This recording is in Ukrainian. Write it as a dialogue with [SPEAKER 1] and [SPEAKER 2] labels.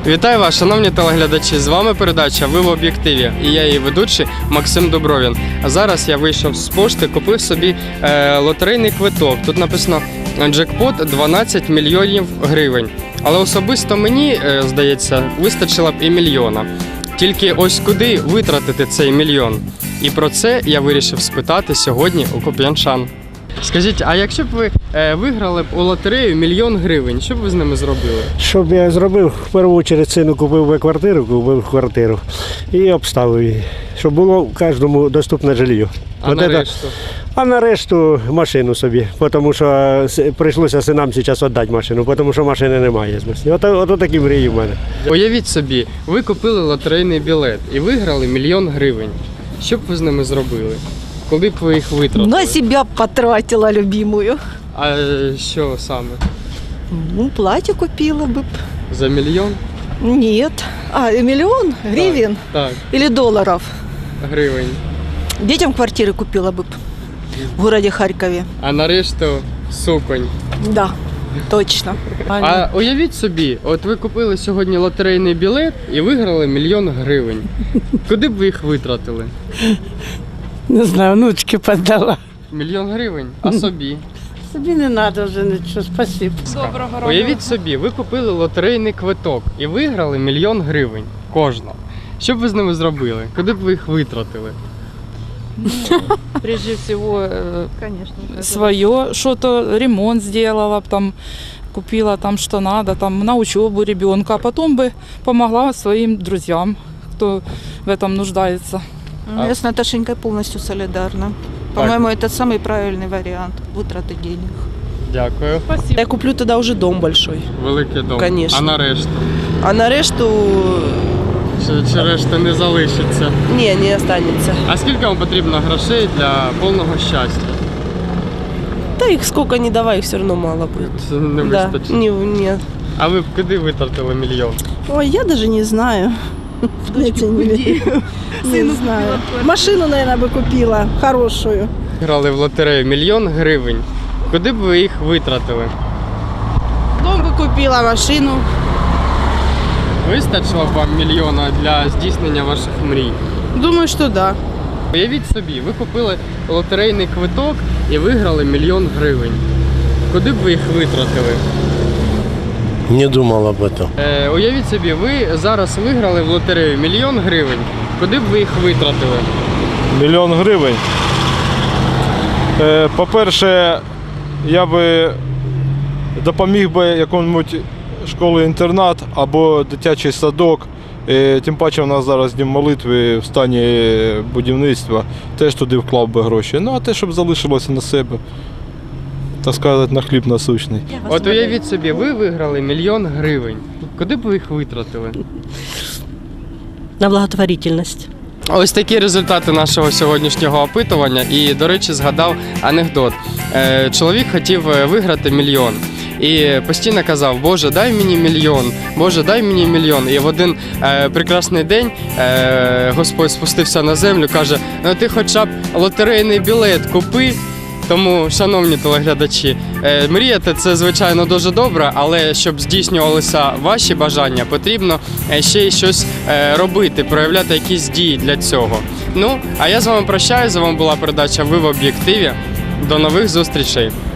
[SPEAKER 1] Вітаю вас, шановні телеглядачі! З вами передача «Ви в об'єктиві» і я її ведучий Максим Дубровін. А зараз я вийшов з пошти, купив собі лотерейний квиток. Тут написано «Джекпот 12 мільйонів гривень». Але особисто мені, здається, вистачило б і мільйона. Тільки ось куди витратити цей мільйон? І про це я вирішив спитати сьогодні у куп'янчан. Скажіть, а якщо б ви виграли б у лотерею мільйон гривень, що б ви з ними зробили?
[SPEAKER 2] Що б я зробив? В першу чергу сину купив би квартиру і обставив її, щоб було кожному доступне житло.
[SPEAKER 1] А на решту?
[SPEAKER 2] А на решту машину собі, тому що прийшлося синам зараз віддати машину, тому що машини немає. Ото такі мрії в мене.
[SPEAKER 1] Уявіть собі, ви купили лотерейний білет і виграли мільйон гривень. Що б ви з ними зробили? Коли б ви їх витратили?
[SPEAKER 3] На себя потратила любимую.
[SPEAKER 1] А що саме?
[SPEAKER 3] Ну, платье купила бы.
[SPEAKER 1] За мільйон?
[SPEAKER 3] Нет. Миллион гривен
[SPEAKER 1] Так,
[SPEAKER 3] или долларов.
[SPEAKER 1] гривень.
[SPEAKER 3] Детям квартиры купила бы в городе Харькове.
[SPEAKER 1] А на решту суконь.
[SPEAKER 3] Да, точно.
[SPEAKER 1] А уявіть собі, от ви купили сьогодні лотерейний білет і виграли мільйон гривень. Куди б ви їх витратили?
[SPEAKER 4] Не знаю, внучки подала.
[SPEAKER 1] Мільйон гривень? А собі?
[SPEAKER 4] Собі не треба вже нічого, спасибо.
[SPEAKER 1] Уявіть собі, ви купили лотерейний квиток і виграли мільйон гривень. Кожна. Що б ви з ними зробили? Куди б ви їх витратили?
[SPEAKER 5] Прежде всего,
[SPEAKER 3] Конечно.
[SPEAKER 5] свое, что-то ремонт сделала, б там купила там что надо, там на учебу ребенка, а потом бы помогла своим друзьям, кто в этом нуждается.
[SPEAKER 3] Я с Наташенькой полностью солидарна. По-моему, это самый правильный вариант вытраты денег.
[SPEAKER 1] Дякую.
[SPEAKER 6] Я куплю тогда уже дом большой.
[SPEAKER 1] Великий дом.
[SPEAKER 6] Конечно.
[SPEAKER 1] А на решту?
[SPEAKER 6] А на решту
[SPEAKER 1] Чи решта не залишиться?
[SPEAKER 6] не останется.
[SPEAKER 1] А скільки вам потрібно грошей для повного щастя?
[SPEAKER 6] Да их сколько не давай, их все равно мало будет.
[SPEAKER 1] Це не
[SPEAKER 6] Да,
[SPEAKER 1] вистачить.
[SPEAKER 6] нет.
[SPEAKER 1] А ви б куди витратили мільйон?
[SPEAKER 7] Ой, я даже не знаю. Не знаю. Машину, наверное, бы купила хорошую.
[SPEAKER 1] Грали в лотерею мільйон гривень. Куди б ви їх витратили?
[SPEAKER 7] Дом бы купила, машину.
[SPEAKER 1] Вистачило б вам мільйона для здійснення ваших мрій?
[SPEAKER 7] Думаю, что да.
[SPEAKER 1] Уявіть собі, ви купили лотерейний квиток і виграли мільйон гривень. Куди б ви їх витратили?
[SPEAKER 2] Не думав об этом.
[SPEAKER 1] Уявіть собі, ви зараз виграли в лотерею мільйон гривень. Куди б ви їх витратили?
[SPEAKER 8] Мільйон гривень. По-перше, я би допоміг би якомусь школі-інтернат або дитячий садок. Тим паче у нас зараз дім молитви в стані будівництва. Теж туди вклав би гроші. Ну а те, щоб залишилося на себе, так сказати, на хліб насущний.
[SPEAKER 1] От уявіть собі, ви виграли мільйон гривень. Куди б ви їх витратили?
[SPEAKER 9] На благотворительність.
[SPEAKER 1] Ось такі результати нашого сьогоднішнього опитування. І, до речі, згадав анекдот. Чоловік хотів виграти мільйон. І постійно казав: Боже, дай мені мільйон, Боже, дай мені мільйон. І в один прекрасний день Господь спустився на землю, каже: ну ти хоча б лотерейний білет купи. Тому, шановні телеглядачі, мріяти – це, звичайно, дуже добре, але щоб здійснювалися ваші бажання, потрібно ще й щось робити, проявляти якісь дії для цього. Ну, а я з вами прощаюсь, з вами була передача «Ви в об'єктиві». До нових зустрічей!